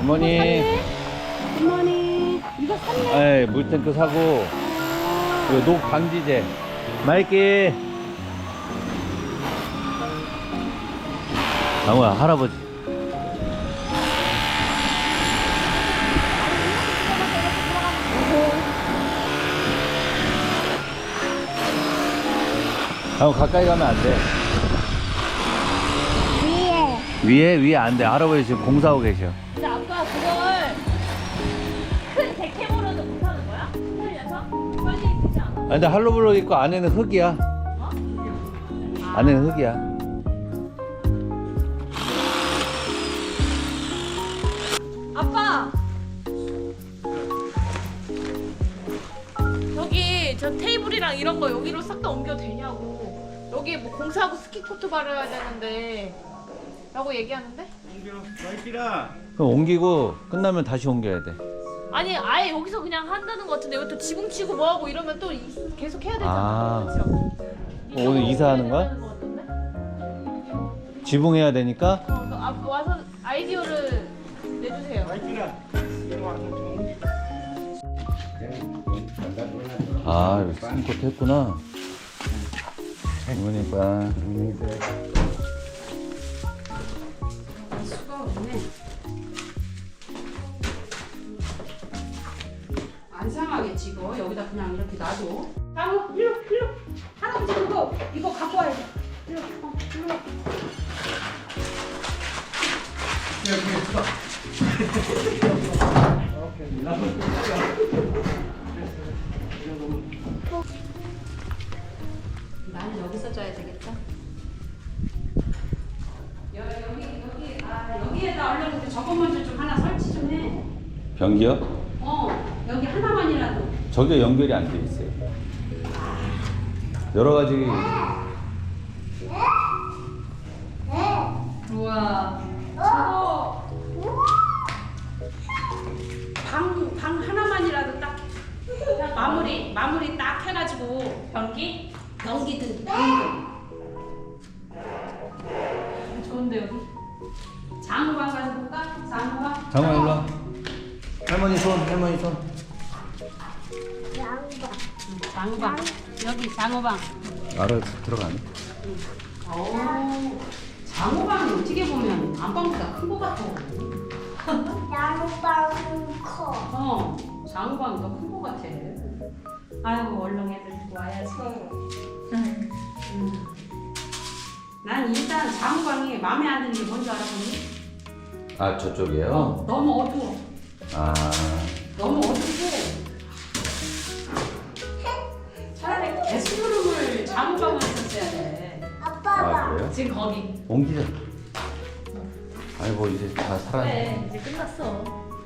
굿모닝. 굿모닝. 이거 샀네. 에이, 물탱크 사고, 그리고 녹 방지제. 마이키. 장우야, 할아버지. 장우 가까이 가면 안 돼. 위에 안 돼. 할아버지 지금 공사하고 계셔. 근데 아빠 그걸 큰 대캐모로도 못하는 거야? 살려서? 빨리 되지 않아? 아, 근데 할로블록 있고 안에는 흙이야. 어? 안에는 흙이야. 아빠! 저기 저 테이블이랑 이런 거 여기로 싹 다 옮겨도 되냐고. 여기 뭐 공사하고 스키코트 바르야 되는데 라고 얘기하는데? 그럼 옮기고 끝나면 다시 옮겨야 돼. 아니 아예 여기서 그냥 한다는 것 같은데 여기 또 지붕 치고 뭐하고 이러면 또 계속 해야 되잖아. 아. 그렇죠? 오늘 이사하는 거야? 되는 것 같던데? 지붕해야 되니까? 와서 아이디어를 내주세요. 아, 여기 스킨코트 했구나. 그러니까. 수가 없네. 안 상하겠지 이거. 여기다 그냥 이렇게 놔둬. 장우 일로. 할아버지 이거 갖고 와야 돼. 일로. 나는 여기서 져야 되겠다. 여기에다 얼른 저것 먼저 좀 하나 설치 좀 해. 변기요? 여기 하나만이라도. 저게 연결이 안 돼 있어요. 여러 가지. 우와. 저거 방 하나만이라도 딱 마무리 딱 해가지고 변기든 방이든. 좋은데 여기. 장우방 가서 볼까? 장우방. 장관 일로 와. 할머니 손. 장우방. 여기 장우방. 알아, 들어가네. 장우방이 어떻게 보면 안방보다 큰 거 같아. 나무방 커. 장우방이 더 큰 거 같아. 아이고 얼른 애들 데리고 와야지. 난 일단 장우방이 마음에 안 드는 게 뭔지 알아보니? 아, 저쪽이에요? 너무 어두워. 아, 너무 어둡고. 차라리 게스트룸을 장우방을 썼어야 돼. 아빠가. 그래요? 지금 거기. 옮기자. 아니, 뭐, 이제 다 살았네. 네, 이제 끝났어.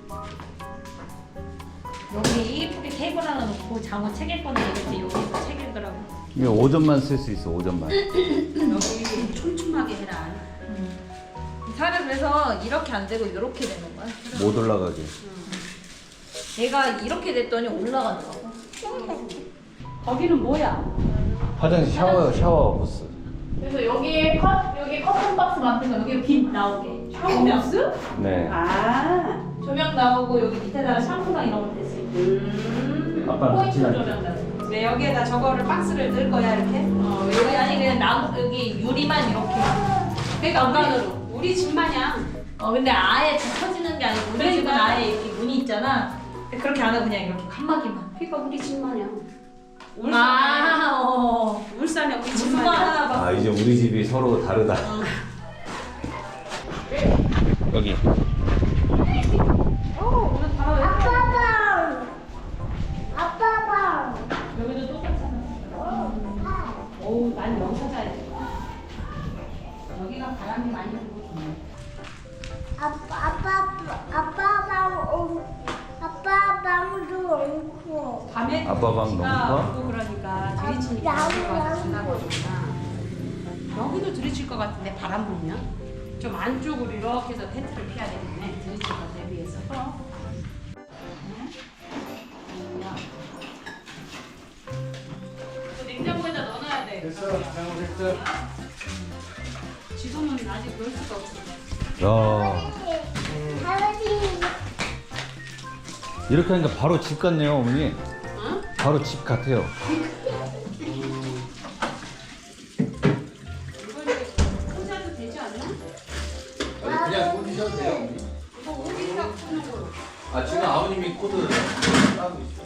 여기 이쁘게 테이블 하나 놓고 장어 책 읽거나 이랬지. 여기서 책 읽으라고. 이거 5점만 쓸 수 있어, 5점만. 여기 촘촘하게 해라. 사람 그래서 이렇게 안 되고 이렇게 되는 거야. 못 올라가게. 얘가 이렇게 됐더니 올라가더라고. 거기는 뭐야? 화장실 샤워 부스. 그래서 여기 커튼 박스 만든 거 여기 빛 나오게. 샤워박스? 네. 조명 나오고 여기 밑에다가 샴푸랑 이런 거 됐을 때. 아빠는 같이 포인트 다니. 조명 나오고. 네, 여기에다 저거를 박스를 넣을 거야 이렇게? 여기 아니 그냥 나무 여기 유리만 이렇게. 그러니까 공간으로. 우리 집 마냥. 근데 아예 다 터지는 게 아니고 우리 집은 그러니까. 아예 이렇게 문이 있잖아. 근데 그렇게 안 하고 그냥 이렇게 칸막이만. 그러니까 우리 집 마냥. 울산에 우리 집 무슨 거 마냥. 하나 봐. 아, 이제 우리 집이 서로 다르다. 여기. 오늘 바로 아빠방. 여기도 똑같잖아. 난 여기서 자야 돼. 여기가 바람이 많이 불고 좋네. 아빠방도 옳고. 밤에 아빠 방 너무 커? 오고 그러니까 들이치니까 지나거든요. 여기도 들이칠 것 같은데 바람 불면 좀 안쪽으로 이렇게 해서 텐트를 피해야 되겠네. 들이칠 것 대비해서. 냉장고에다 넣어놔야 돼. 됐어, 잘못했어. 지금은 아직 넣을 수가 없어. 야. 할아버지 이렇게 하니까 바로 집 같네요, 어머니. 응? 바로 집 같아요. 이거는 혼자도 되지 않나? 그냥 꽂으셔도 돼요, 어머니. 이거 어디다 꽂는 거로? 아, 지금 아버님이 코드 따고 있어요.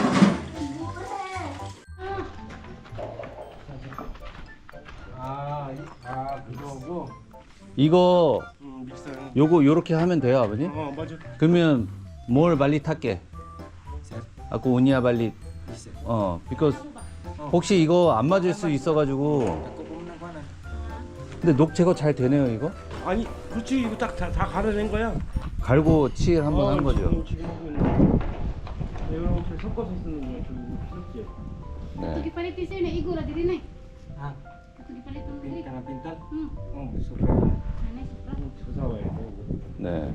그거고. 이거 믹서. 요렇게 하면 돼요, 아버님? 맞아. 그러면 뭘 발리 탈게? 아까 오니아 발리 있어. because 혹시 이거 안 맞을 수 있어가지고. 근데 녹 제거 잘 되네요, 이거? 아니, 그렇지. 이거 딱 다 갈아낸 거야. 갈고 칠 한번 한 거죠. 지금 하고 있는 거. 이렇게 섞어서 쓰는 거야. 그렇지. 네. Gipalit sir na igura diri na. 아, Ito gipalit ng diri. 빈tal, 빈tal. Hmm. supra. Anay supra. 조사 와야 돼. 네.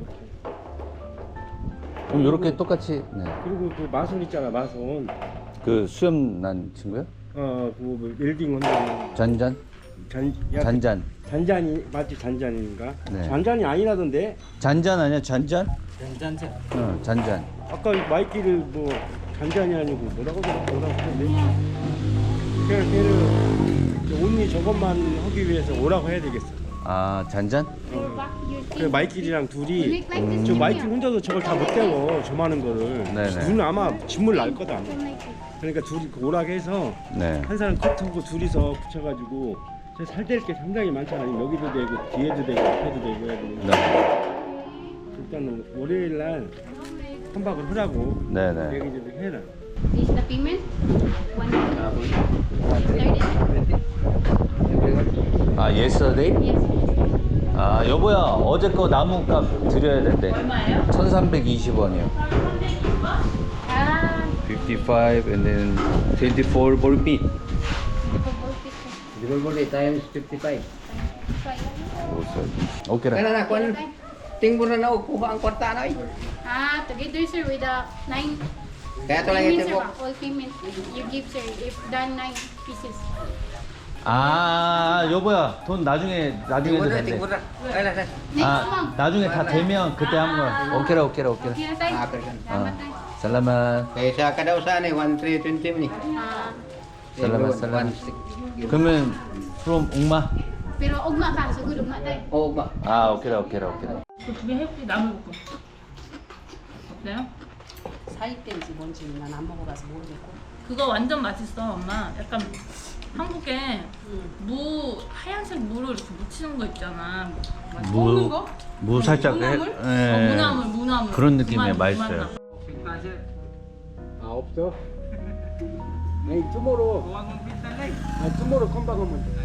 그럼 요렇게 똑같이, 네. 그리고 그 마손 있잖아, 마손. 그 수염 난 친구요? 그 웰딩 한다는 잔잔? 잔잔. 잔잔이 맞지? 잔잔인가? 네. 잔잔이 아니라던데. 잔잔 아니야? 잔잔? 잔잔. 잔잔. 아까 마이키를 뭐 잔잔이 아니고 뭐라고 하는데. 걔를 온리 저것만 하기 위해서 오라고 해야 되겠어. 아, 잔잔? 그 마이킬이랑 둘이 Like this. 저 마이킬 혼자서 저걸 다 못 태워 저 많은 거를. 네네. 눈 아마 진물 날 거다. 그러니까 둘이 오라고 해서 네. 한 사람 컷하고 둘이서 붙여가지고 저 살될 게 상당히 많잖아. 여기도 되고 뒤에도 되고 앞에도 되고 해야 되니까. 네. 일단 월요일 날 한박을 하라고 네네. 얘기 좀 해라. This is the payment. 130. 아, yesterday? Yes. 아, 여보야, 어제 거 나무값 드려야 된대. 얼마예요? 1,320원이요. Ah, 55 and then 24 볼빛. Dibulbul times 55. 오케이. Kana na kon tingbo na kuha ang kwarta na oy. Ah, together sir with the 9 Kaya to lang payment ito sir mo. ba? All payment you give sir if done 9 pieces. 아, 여보야, 돈 나중에 Tingbo na, 된대. tingbo na. Ay na. Next 아, month. 나중에 다 되면 그때 한 거야. 오케이라. Okay na tayo. Ah, okay. Salamat tayo. 살라만. Kaya sa kadaw sa ni 1320 ni. Ah, Salamat, salamat. 그러면 from 옥마? pero ugma ka, sugod ugma tayo. Oh, ba. 아, 오케이라. 그 두 개 해볼게. 나물볶음. 어때요? 사입된지 뭔지 난 안 먹어봐서 모르겠고. 그거 완전 맛있어, 엄마. 약간 한국에 무 하얀색 무를 이렇게 묻히는 거 있잖아. 먹는 거? 무 살짝 무나물? 무나물. 그런 느낌이에요. 무맛, 맛있어요. 무맛 나. 아 없어? 아니 투모로. 아 투모로 컴박하면 돼.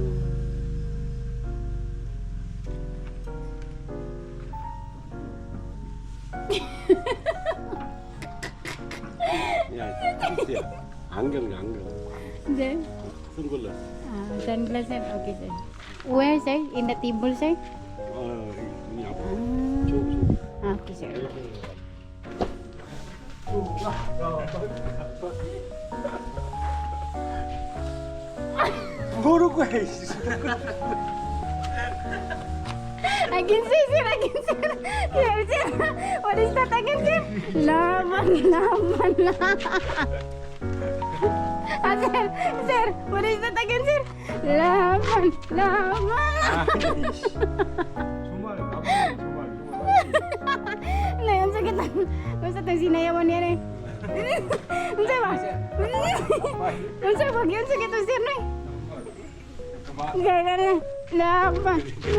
야, 진짜 안경이야 안경. Then, 선글라스. sunglasses, okay sir. Where sir? In the table sir? 눈이 아파. Okay sir. 모르고 해. Again sir, sir, again sir. Sir, sir. What is that again sir? Laman. Ah, sir, sir, what is that again sir? Laman. 정말 나쁜 정말. Na yun sa kita. Kung sa itong sinayawan niya rin. Unsa ba? Unsa ba? Yun sa kita sir na. Gaya ka na. Laban.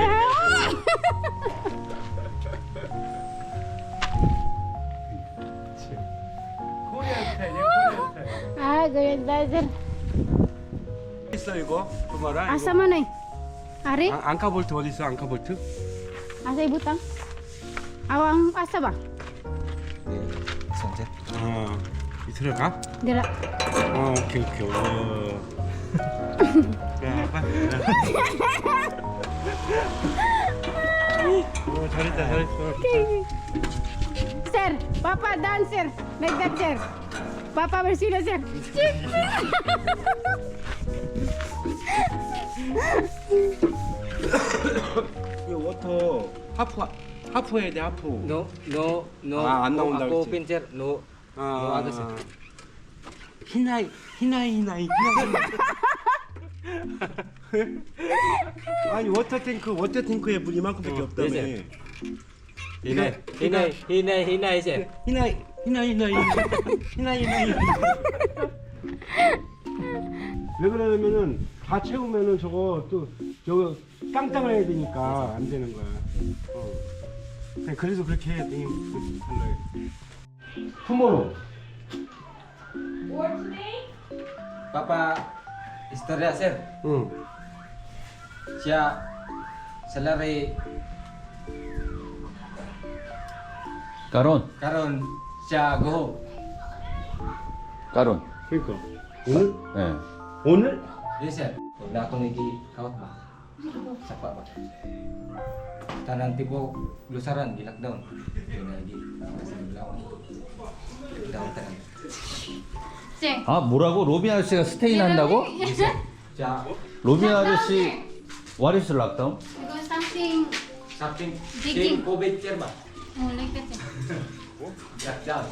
코리아 스타일이야 코리아 스타일. Ah, ganyan tayo sir. 있어 이거 그 말아. Asa man eh? Ari? 앙카볼트 어디 있어 앙카볼트? Asa ibutang? Awang asa ba? 어 들어가? Dira. 오케이. 야, 빨리. 잘했어. Sir, Papa dancer. Like that sir. Papa bersila sir. 이 워터 하프 해야 돼 하프. No, no, no. Ah, 안 나온다 Ako 그랬지. pincher, no. 아, 아가씨. 히나이. 아니 워터탱크에 물 이만큼밖에 없다며. 이제. Hinay siya. 히나이. 왜 그러냐면은 다 채우면은 저거 땅땅을 해야 되니까 안 되는 거야. 그냥 그래서 그렇게 해야 돼. 달라요. 투모로우. Papa, istorya sir. 응. Siya salary 까론. karon siya go. 까론. 그러니까 오늘 예. 오늘 Yes sir. Huwag na akong nag-out ba? Sapa ba? Tanang tipo lusaran, di-lockdown. Yun na lagi. Kasi naglawan. Lockdown tanang. 쟤. 아 뭐라고? 로빈 아저씨가 스테인 한다고? Siya, 로빈 아저씨 what is lockdown? 이거 something something, Digging. COVID sir ba? like that. Lockdown.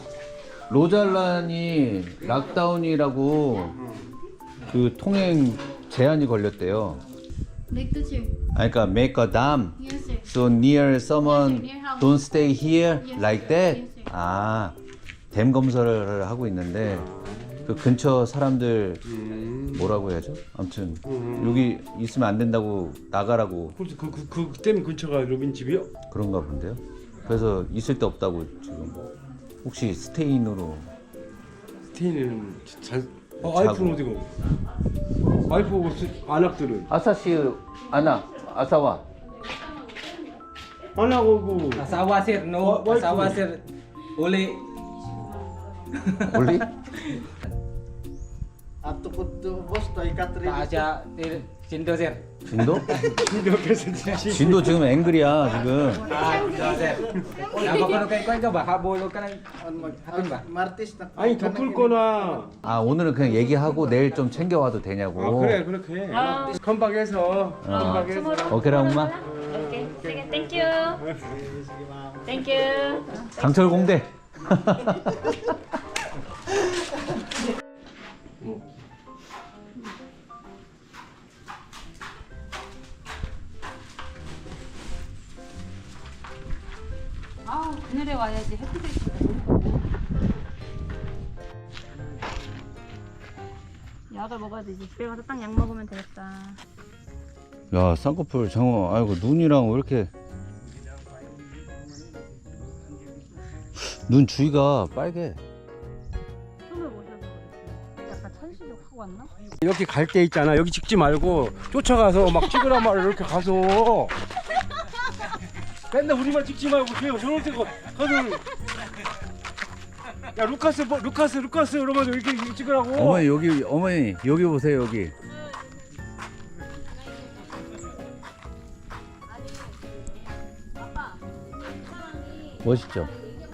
로잘란이 락다운이라고 그 통행 제한이 걸렸대요. Like that, sir. 아 그러니까 make a dam Yes, sir. so near someone Yes, sir, near house. don't stay here Yes, like sir. that. Yes, sir. 아, 댐 검사를 하고 있는데 그 근처 사람들 뭐라고 해야죠? 아무튼 여기 있으면 안 된다고 나가라고 댐 근처가 로빈 집이요? 그런가 본데요. 그래서 있을 데 없다고 지금 혹시 스테인으로 스테인은 잘. 자고. 와이프는 어디고? 와이프하고 안악들은 아사시 아나 아사와 안하고 Asawa sir, no. Why Asawa po? sir, uli. 올리? Siya, Sindo sir. 진도? 옆에서 지시. 진도 지금 앵글이야 지금. Sindo sir. Nabakuno kay Kwan ka ba? Habulog ka ng hapon ba? 아니 덮을 거나. 아 오늘은 그냥 얘기하고 내일 좀 챙겨와도 되냐고. 아 그래 그렇게 해. 컴박해서 컴박해서. 오케이라 엄마. 오케이. sige, thank you. Thank you. 강철 공대. 아, 그늘에 와야지. 햇빛에 있어. 약을 먹어야 되지. 집에 가서 딱 약 먹으면 되겠다. 야 쌍꺼풀 장어 아이고 눈이랑 왜 이렇게 눈 주위가 빨개. 손을 모셔서 그랬어. 약간 천식이 확 왔나? 이렇게 갈 때 있잖아. 여기 찍지 말고 쫓아가서 막 찍으라 말을 이렇게 가서. 맨날 우리만 찍지 말고 그냥 저럴 때 가서. 야 루카스 이러면서 이렇게 찍으라고. 어머니 여기 보세요 여기. 멋있죠?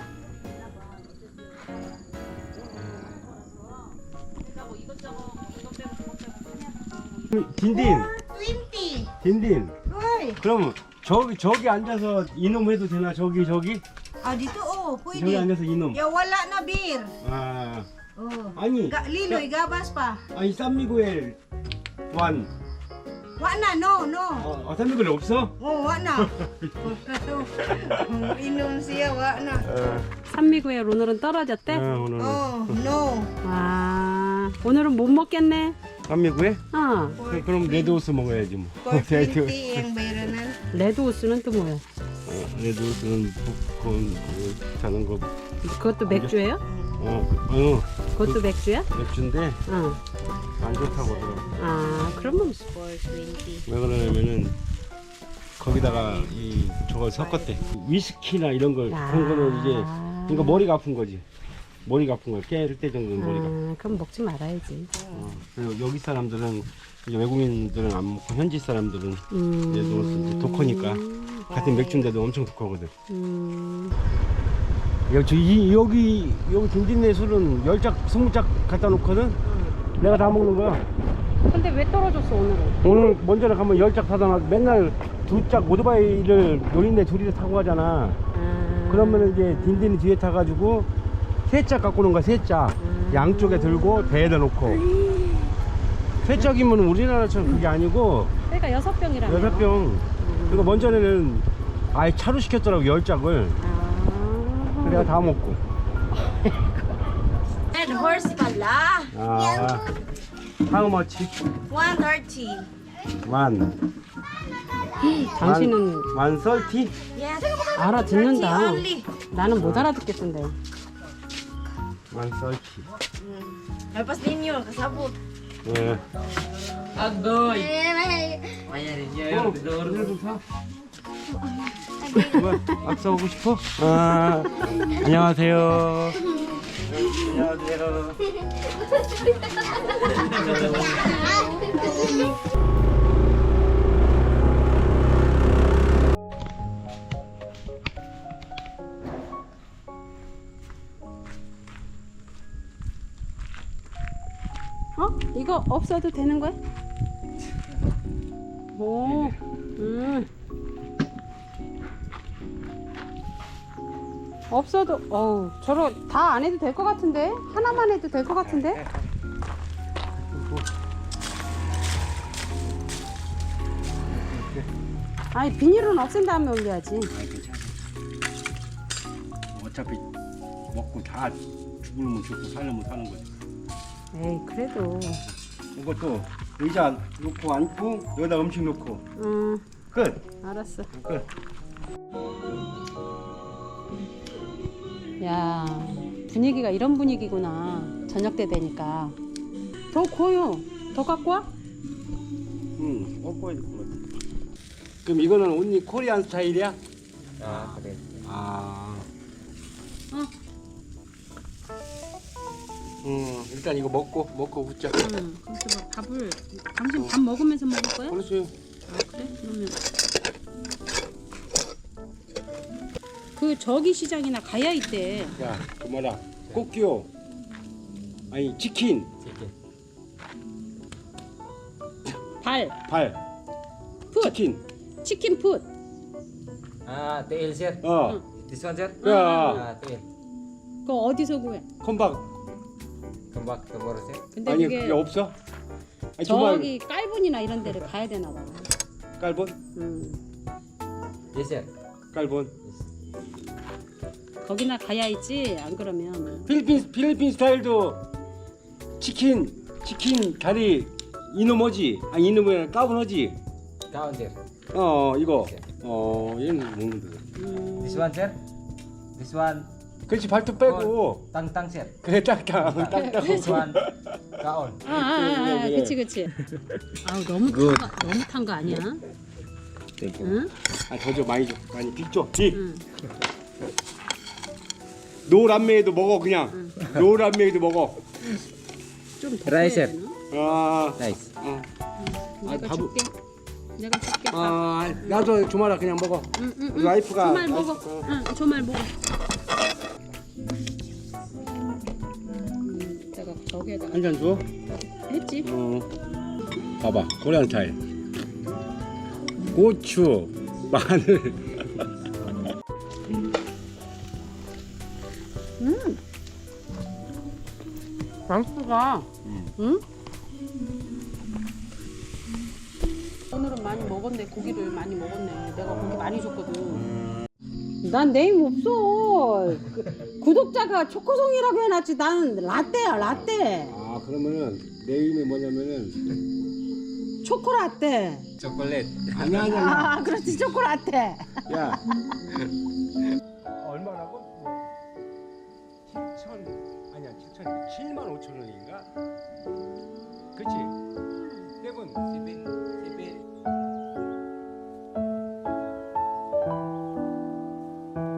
딘딘. 그럼 저기 앉아서 이놈 해도 되나? 저기. Ah, dito oh, 저기 pwede. 앉아서 이놈. Ya wala na beer. 아 Oh. 아니. Liloy, gabas pa. 아니 산미구엘 완. Wa na, no. 산미구엘 없어? Oh, wa na. Inom siya, wa na. 산미구의 오늘은 떨어졌대? 오늘 Oh, no. 아, 오늘은 못 먹겠네. 산미구에? 어, 그럼 레드호스 먹어야지 뭐. 420 yung bayaran. 레드호스는 또 뭐야? 레드호스는 popcorn 자는 거. 그것도 맥주예요? 그것도 맥주야? 맥주인데 어. 안 좋다고 하더라고. 아, 그러면 420. 왜 그러냐면은 거기다가 저걸 섞었대. 위스키나 이런 걸 그런 거는 이제 그러니까 머리가 아픈 거지. 머리가 아픈 거야. 깰 때 정도는 머리가. 그럼 먹지 말아야지. 그리고 여기 사람들은 이제 외국인들은 안 먹고 현지 사람들은 얘도 독하니까 같은 맥주인데도 엄청 독하거든. 여기 딘딘네 술은 10짝 20짝 갖다 놓거든. 내가 다 먹는 거야. 근데 왜 떨어졌어, 오늘은? 오늘 먼저는 가면 10짝 사다 놔. 맨날 두 짝 오토바이를 노린데 둘이서 타고 가잖아. 그러면 이제 딘딘이 뒤에 타가지고 세 짝 갖고 오는 거야. 세 짝. 양쪽에 들고 배에다 놓고. 세 짝이면 우리나라처럼 그게 아니고 그러니까 6병이라며. 6병. 그리고 먼저는 아예 차로 시켰더라고 10짝을. 그래가 다 먹고. And horse pala. 아, how much? 130. 만. 당신은 만 썰티? Yes. 알아듣는다. Only. 나는 못 알아듣겠던데. 만 썰티. Lepas ninyo, kasabot. 예. 뭐, 악수 하고 싶어? 아, 안녕하세요. 안녕하세요. 어? 이거 없어도 되는 거야? 오. 없어도 저러 다 안 해도 될 것 같은데? 하나만 해도 될 것 같은데? 아니 비닐은 없앤 다음에 올려야지. 어차피 먹고 다 죽으면 죽고 살려면 사는 거지. 에이 그래도. 이것도 의자 놓고 앉고 여기다 음식 놓고 끝. 알았어. 끝. 야 분위기가 이런 분위기구나. 저녁 때 되니까. 더 구워요. 더 갖고 와? 응, 먹어야 될 것 같아. 그럼 이거는 온리 코리안 스타일이야? 아 그래. 아. 응. 일단 이거 먹고 웃자. 응. 그래서 뭐 밥을 당신 밥 먹으면서 먹을 거야? 그렇지. 아 그래? 그러면 그 저기 시장이나 가야 있대. 야, 그 뭐라? 꽃기요. 아니 치킨. 발. 풋. 치킨 풋. Ah, tail sir. 어. This one sir. 야, Ah, tail. 그거 어디서 구해? 컴박. Kembang tomorrow sir. 근데 아니 그게 그게 없어? 아니 정말 저기 깔분이나 이런 데를 가야 되나 봐. 깔본? Yes sir. 깔본. 거기나 가야 있지. 안 그러면 필리핀 스타일도 치킨 다리 이놈어지. 아니 이놈은 까분어지. Kaon sir. 이거. 얘는 먹는다. This one sir. This one. 그렇지 발톱 빼고. Tang tang sir. 그래 딱딱. This one. Kaon. 그치. 아우 너무 탄 거 아니야? 응? 더 줘 많이 줘. 많이 빚줘. 노란매도 먹어 그냥. 노란매도 먹어. 좀더 Rice, 해야 sir. 되나? 아. Nice. 내가 밥을- 줄게. 내가 줄게. 나도 주말아 그냥 먹어. 우리 와이프가. 조말 먹어. 조말 먹어. 내가 저기에다가 한 잔 줘. 했지. 봐봐 코리안 스타일. 고추, 마늘. 맛있다. 응? 오늘은 많이 먹었네. 고기를 많이 먹었네. 내가 고기 많이 줬거든. 난 네임 없어. 구독자가 초코송이라고 해놨지. 나는 라떼야 라떼. 그러면은 네임이 뭐냐면은 초코라떼. Chocolate. 아니야. 그렇지 초코라떼. 야. 얼마라고? 7만 5천 원인가? 그치? 세븐.